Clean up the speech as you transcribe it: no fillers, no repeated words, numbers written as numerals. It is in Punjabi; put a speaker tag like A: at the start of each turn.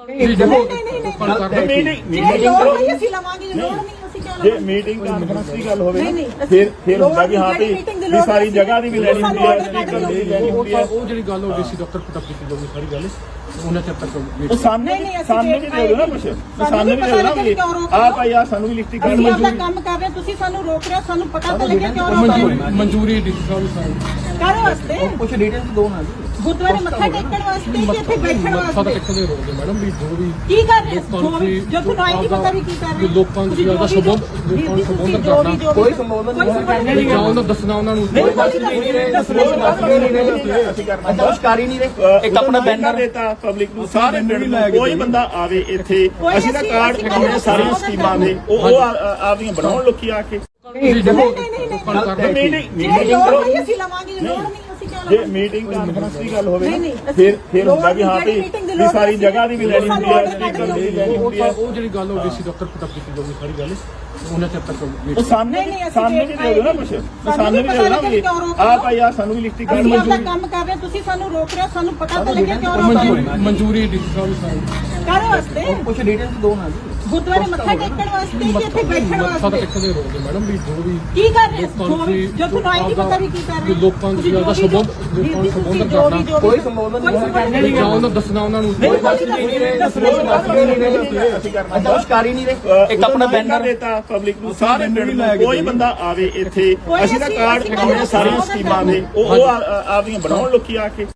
A: ਮੀਟਿੰਗ ਕਾਨਫਰੰਸ ਦੀ ਗੱਲ ਹੋਵੇ ਫਿਰ ਹੁੰਦਾ ਕਿ ਹਾਂ ਵੀ ਸਾਰੀ ਜਗ੍ਹਾ ਦੀ ਵੀ ਲੈਣੀ ਹੁੰਦੀ ਹੈ, ਸਪੀਕਰ ਦੀ ਲੈਣੀ ਹੁੰਦੀ ਹੈ।
B: ਉਹ ਜਿਹੜੀ ਗੱਲ ਹੋ ਗਈ ਸੀ ਡਾਕਟਰ ਪਟਕ ਕੀਤੀ ਜਾਊਗੀ ਸਾਰੀ ਗੱਲ ਉਹਨਾਂ ਚਿਰ ਤੱਕ
A: ਉਹ ਸਾਨੂੰ ਵੀ ਦੇ ਦਿਓ ਨਾ ਕੁਛ, ਸਾਨੂੰ ਵੀ ਦੇ ਦਿਓ ਨਾ ਵੀ ਆਹ ਭਾਈ ਆ ਸਾਨੂੰ ਵੀ ਲਿਖਤੀ
C: ਅਸੀਂ ਆਪਣਾ ਕੰਮ ਕਰ ਰਹੇ, ਤੁਸੀਂ ਸਾਨੂੰ ਰੋਕ ਰਹੇ ਹੋ, ਸਾਨੂੰ ਪਤਾ ਤਾਂ ਲੱਗੇ ਕਿਉਂ ਰੋਕ ਰਹੇ ਹੋ।
B: ਮਨਜ਼ੂਰੀ ਡੀਸੀ ਸਾਹਿਬ
C: ਕਾਹਦੇ ਵਾਸਤੇ?
D: ਕੁਝ ਡਿਟੇਲਸ ਦੋ ਨਾ ਜੀ।
C: ਗੁਰਦੁਆਰੇ ਮੱਥਾ ਟੇਕਣ ਵਾਸਤੇ ਕਿ ਇੱਥੇ ਬੈਠਣ
B: ਮੱਥਾ
C: ਵਾਸਤੇ?
B: ਟੇਕਣ ਦੇ ਰੋਗੇ ਮੈਡਮ ਵੀ ਜੋ ਵੀ
C: ਕੀ ਕਰ ਰਹੇ ਹੋ? ਜੋ ਤੁਹਾਨੂੰ ਆਈ ਨਹੀਂ ਪਤਾ ਵੀ ਕੀ ਕਰ ਰਹੇ ਹੋ।
B: ਲੋਕਾਂ ਦੀ ਦਾ ਸੰਬੋਧਨ ਕਰਨਾ,
D: ਕੋਈ ਸੰਬੋਧਨ ਨਹੀਂ
B: ਜਾਂ ਉਹਨਾਂ ਦੱਸਣਾ ਉਹਨਾਂ ਨੂੰ
D: ਅਦਾਸ਼ਕਾਰੀ ਨਹੀਂ ਰਹੇ। ਇੱਕ ਆਪਣਾ ਬੈਨਰ
A: ਦੇਤਾ ਪਬਲਿਕ ਨੂੰ, ਸਾਰੇ ਪਿੰਡ ਨੂੰ ਕੋਈ ਬੰਦਾ ਆਵੇ ਇੱਥੇ, ਅਸੀਂ ਤਾਂ ਕਾਰਡ ਕਰਾਉਣੇ ਸਾਰੀਆਂ ਸਕੀਮਾਂ ਦੇ, ਉਹ ਆਪਦੀਆਂ ਬਣਾਉਣ ਲੋਕੀ ਆ ਕੇ ਜੇ ਮੀਟਿੰਗ ਕਾਨਫਰੰਸ ਦੀ ਗੱਲ ਹੋਵੇ ਫਿਰ ਹੁੰਦਾ ਕਿ ਹਾਂ ਵੀ ਸਾਰੀ ਜਗ੍ਹਾ ਦੀ ਵੀ ਲੈਣੀ ਹੁੰਦੀ ਹੈ, ਸਪੀਕਰ ਦੀ ਵੀ ਲੈਣੀ ਹੁੰਦੀ ਹੈ।
B: ਉਹ ਜਿਹੜੀ ਗੱਲ ਹੋ ਗਈ ਸੀ ਡਾਕਟਰ ਪਟਕ ਕੀਤੀ ਜਾਊਗੀ ਸਾਰੀ ਗੱਲ ਉਹਨਾਂ ਚਿਰ ਤੱਕ
A: ਉਹ ਸਾਨੂੰ ਵੀ ਦੇ ਦਿਓ ਨਾ ਕੁਛ, ਸਾਨੂੰ ਵੀ ਦੇ ਦਿਓ ਨਾ ਵੀ ਆਹ ਭਾਈ ਆ ਸਾਨੂੰ ਵੀ ਲਿਖਤੀ
C: ਅਸੀਂ ਆਪਣਾ ਕੰਮ ਕਰ ਰਹੇ, ਤੁਸੀਂ ਸਾਨੂੰ ਰੋਕ ਰਹੇ ਹੋ, ਸਾਨੂੰ ਪਤਾ ਤਾਂ ਲੱਗੇ ਕਿਉਂ ਰੋਕ ਰਹੇ ਹੋ।
B: ਮਨਜ਼ੂਰੀ ਡੀਸੀ ਸਾਹਿਬ
C: ਕਾਹਦੇ ਵਾਸਤੇ?
D: ਕੁਝ ਡਿਟੇਲਸ ਦੋ ਨਾ ਜੀ।
C: ਗੁਰਦੁਆਰੇ ਮੱਥਾ ਟੇਕਣ ਵਾਸਤੇ ਕਿ ਇੱਥੇ ਬੈਠਣ
B: ਮੱਥਾ
C: ਵਾਸਤੇ?
B: ਟੇਕਣ ਦੇ ਰੋਗੇ ਮੈਡਮ ਵੀ ਜੋ ਵੀ
C: ਕੀ ਕਰ ਰਹੇ ਹੋ? ਜੋ ਤੁਹਾਨੂੰ ਆਈ ਨਹੀਂ ਪਤਾ ਵੀ ਕੀ ਕਰ ਰਹੇ ਹੋ।
B: ਲੋਕਾਂ ਦੀ ਦਾ ਸੰਬੋਧਨ ਕਰਨਾ,
D: ਕੋਈ ਸੰਬੋਧਨ ਨਹੀਂ
B: ਜਾਂ ਉਹਨਾਂ ਦੱਸਣਾ ਉਹਨਾਂ ਨੂੰ
D: ਅਦਾਸ਼ਕਾਰੀ ਨਹੀਂ ਰਹੇ। ਇੱਕ ਆਪਣਾ ਬੈਨਰ
A: ਦੇਤਾ ਪਬਲਿਕ ਨੂੰ, ਸਾਰੇ ਪਿੰਡ ਨੂੰ ਕੋਈ ਬੰਦਾ ਆਵੇ ਇੱਥੇ, ਅਸੀਂ ਤਾਂ ਕਾਰਡ ਕਰਾਉਣੇ ਸਾਰੀਆਂ ਸਕੀਮਾਂ ਦੇ, ਉਹ ਆਪਦੀਆਂ ਬਣਾਉਣ ਲੋਕੀ ਆ ਕੇ